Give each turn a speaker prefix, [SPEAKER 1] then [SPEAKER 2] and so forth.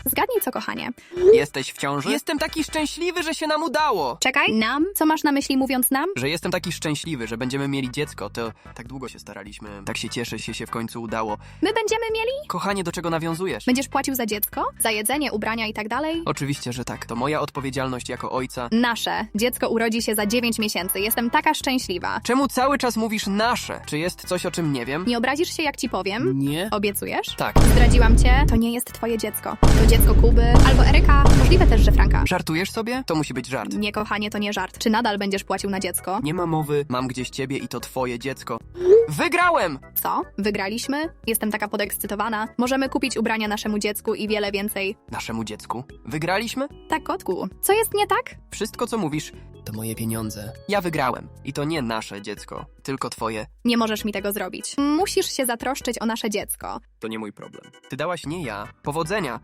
[SPEAKER 1] Zgadnij co, kochanie.
[SPEAKER 2] Jesteś w ciąży? Jestem taki szczęśliwy, że się nam udało.
[SPEAKER 1] Czekaj, nam? Co masz na myśli mówiąc nam?
[SPEAKER 2] Że jestem taki szczęśliwy, że będziemy mieli dziecko. To tak długo się staraliśmy. Tak się cieszę, się w końcu udało.
[SPEAKER 1] My będziemy mieli?
[SPEAKER 2] Kochanie, do czego nawiązujesz?
[SPEAKER 1] Będziesz płacił za dziecko? Za jedzenie, ubrania i tak dalej?
[SPEAKER 2] Oczywiście, że tak. To moja odpowiedzialność jako ojca.
[SPEAKER 1] Nasze. Dziecko urodzi się za 9 miesięcy. Jestem taka szczęśliwa.
[SPEAKER 2] Czemu cały czas mówisz nasze? Czy jest coś, o czym nie wiem?
[SPEAKER 1] Nie obrazisz się, jak ci powiem?
[SPEAKER 2] Nie.
[SPEAKER 1] Obiecujesz?
[SPEAKER 2] Tak.
[SPEAKER 1] Zdradziłam cię? To nie jest twoje dziecko. To dziecko Kuby albo Eryka. Możliwe też, że Franka.
[SPEAKER 2] Żartujesz sobie? To musi być żart.
[SPEAKER 1] Nie, kochanie, to nie żart. Czy nadal będziesz płacił na dziecko?
[SPEAKER 2] Nie ma mowy. Mam gdzieś ciebie i to twoje dziecko. Wygrałem!
[SPEAKER 1] Co? Wygraliśmy? Jestem taka podekscytowana. Możemy kupić ubrania naszemu dziecku i wiele więcej.
[SPEAKER 2] Naszemu dziecku. Wygraliśmy?
[SPEAKER 1] Tak, kotku. Co jest nie tak?
[SPEAKER 2] Wszystko, co mówisz, to moje pieniądze. Ja wygrałem. I to nie nasze dziecko, tylko twoje.
[SPEAKER 1] Nie możesz mi tego zrobić. Musisz się zatroszczyć o nasze dziecko.
[SPEAKER 2] To nie mój problem. Ty dałaś, nie ja. Powodzenia.